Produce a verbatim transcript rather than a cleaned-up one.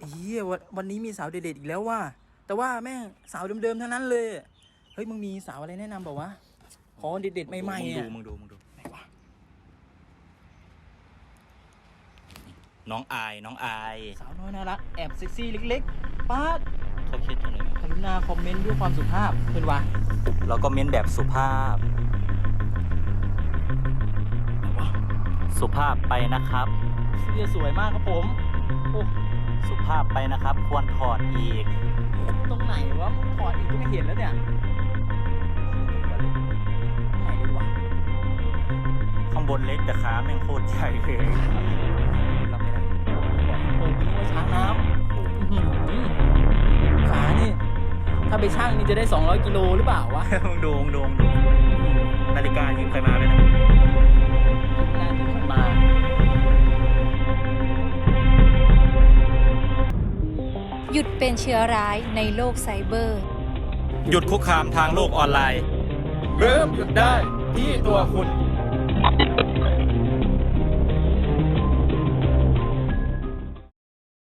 เฮียวันวันนี้มีสาวเด็ดๆอีกแล้วว่ะแต่ว่าแม่งสาวเดิมๆทั้งนั้นเลยเฮ้ยมึงมีสาวอะไรแนะนำบอกว่าขอเด็ดๆใหม่ๆอ่ะมึงดูมึงดูมึงดูไหนวะน้องอายน้องอายสาวน้อยน่ารักแอบเซ็กซี่เล็กๆป้าดเขาคิดอะไรกรุณาคอมเมนต์ด้วยความสุภาพเพื่อนวะแล้วก็เม้นแบบสุภาพ สุภาพไปนะครับเสื้อสวยมากครับผมโอ้สุภาพไปนะครับ ควรถอดอีกตรงไหนวะถอดอีกก็ไม่เห็นแล้วเนี่ยตรงไหนเลยวะข้างบนเล็กแต่ขาแม่งโคตรใหญ่เลยรับไม่ได้เปิดเป็นว่าช้างน้ำอื้อหือขานี่ถ้าไปช่างนี่จะได้สองร้อยกิโลหรือเปล่าวะมึงดูมึงดูมึงดูนาฬิกายืมใครมาไหมนะน่าจะขึ้นมาหยุดเป็นเชื้อร้ายในโลกไซเบอร์หยุดคุกคามทางโลกออนไลน์เริ่มหยุดได้ที่ตัวคุณ